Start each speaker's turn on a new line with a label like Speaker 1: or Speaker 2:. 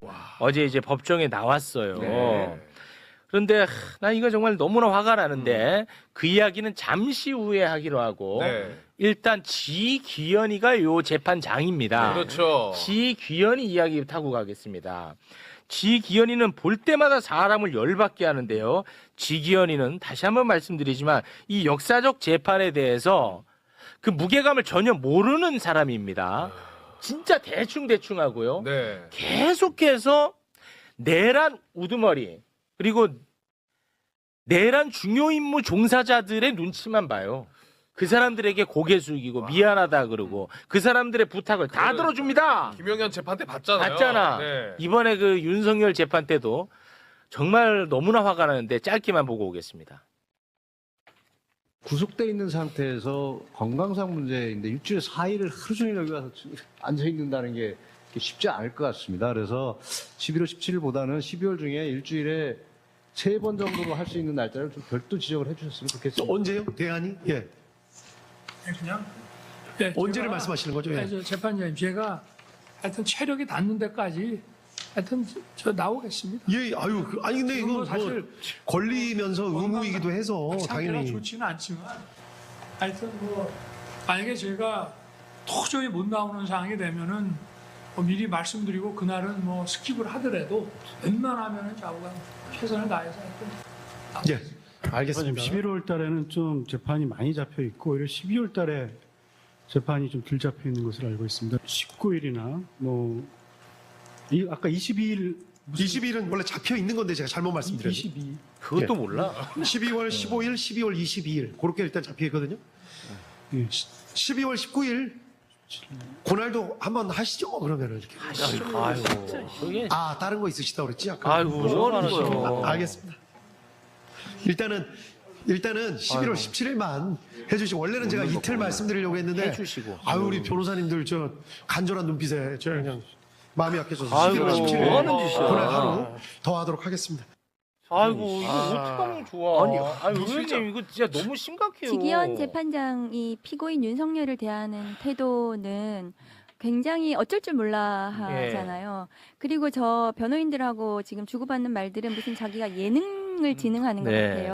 Speaker 1: 어제 이제 법정에 나왔어요.
Speaker 2: 네.
Speaker 1: 그런데 나 이거 정말 너무나 화가 나는데 그 이야기는 잠시 후에 하기로 하고
Speaker 2: 네.
Speaker 1: 일단 지귀현이가 요 재판장입니다.
Speaker 2: 그렇죠.
Speaker 1: 지귀현이 이야기부터 하고 가겠습니다. 지귀현이는 볼 때마다 사람을 열받게 하는데요. 지귀현이는 다시 한번 말씀드리지만 이 역사적 재판에 대해서 그 무게감을 전혀 모르는 사람입니다. 진짜 대충 하고요.
Speaker 2: 네.
Speaker 1: 계속해서 내란 우두머리 그리고 내란 중요 임무 종사자들의 눈치만 봐요. 그 사람들에게 고개 숙이고 미안하다 그러고 그 사람들의 부탁을 다
Speaker 2: 그거는-
Speaker 1: 들어줍니다.
Speaker 2: 김영현 재판 때 봤잖아요.
Speaker 1: 봤잖아.
Speaker 2: 네.
Speaker 1: 이번에 그 윤석열 재판 때도 정말 너무나 화가 나는데 짧게만 보고 오겠습니다.
Speaker 3: 구속돼 있는 상태에서 건강상 문제인데 일주일에 4일을 하루 종일 여기 와서 앉아 있는다는 게 쉽지 않을 것 같습니다. 그래서 11월 17일보다는 12월 중에 일주일에 3번 정도로 할 수 있는 날짜를 좀 별도 지적을 해주셨으면 좋겠습니다.
Speaker 4: 언제요? 대안이? 예.
Speaker 5: 그냥
Speaker 4: 언제를 말씀하시는 거죠? 예.
Speaker 5: 재판장님 제가 하여튼 체력이 닿는 데까지 하여튼 저 나오겠습니다.
Speaker 4: 예, 아유, 아니 근데 이거
Speaker 5: 그건 사실
Speaker 4: 뭐 권리면서 의무이기도 해서
Speaker 5: 상태가
Speaker 4: 당연히
Speaker 5: 좋지는 않지만 하여튼 뭐 만약에 제가 도저히 못 나오는 상황이 되면은 뭐 미리 말씀드리고 그날은 뭐 스킵을 하더라도 웬만하면은 좌우가 최선을 다해서 하여튼
Speaker 4: 예. 알겠습니다.
Speaker 6: 11월 달에는 좀 재판이 많이 잡혀 있고 오히려 12월 달에 재판이 좀 덜 잡혀 있는 것으로 알고 있습니다. 19일이나 뭐 아까 22일
Speaker 4: 20일은 원래 잡혀 있는 건데 제가 잘못 말씀드렸죠.
Speaker 5: 22.
Speaker 1: 그것도 몰라.
Speaker 4: 12월 15일, 12월 22일 그렇게 일단 잡혀 있거든요.
Speaker 6: 예.
Speaker 4: 12월 19일 그날도 한번 하시죠. 그러면은 이렇게.
Speaker 1: 아이고, 저게
Speaker 4: 아, 다른 거 있으시다 그랬지? 아까.
Speaker 1: 아이고 뭐 하는 거예요?
Speaker 4: 알겠습니다. 일단은 11월 17일만 해주시고 원래는 제가 이틀 말씀드리려고 했는데
Speaker 1: 해주시고.
Speaker 4: 아유 우리 변호사님들 저 간절한 눈빛에 저 그냥 마음이 약해져서
Speaker 1: 아이고,
Speaker 4: 11월 17일
Speaker 1: 뭐 하는 짓이야.
Speaker 4: 그날 하루 더 하도록 하겠습니다.
Speaker 1: 아이고 이거 어떡하면 좋아. 아니
Speaker 2: 진짜.
Speaker 1: 의원님 이거 진짜 너무 심각해요.
Speaker 7: 지기현 재판장이 피고인 윤석열을 대하는 태도는 굉장히 어쩔 줄 몰라 하잖아요. 그리고 저 변호인들하고 지금 주고받는 말들은 무슨 자기가 예능을 진행하는 것
Speaker 1: 네.
Speaker 7: 같아요.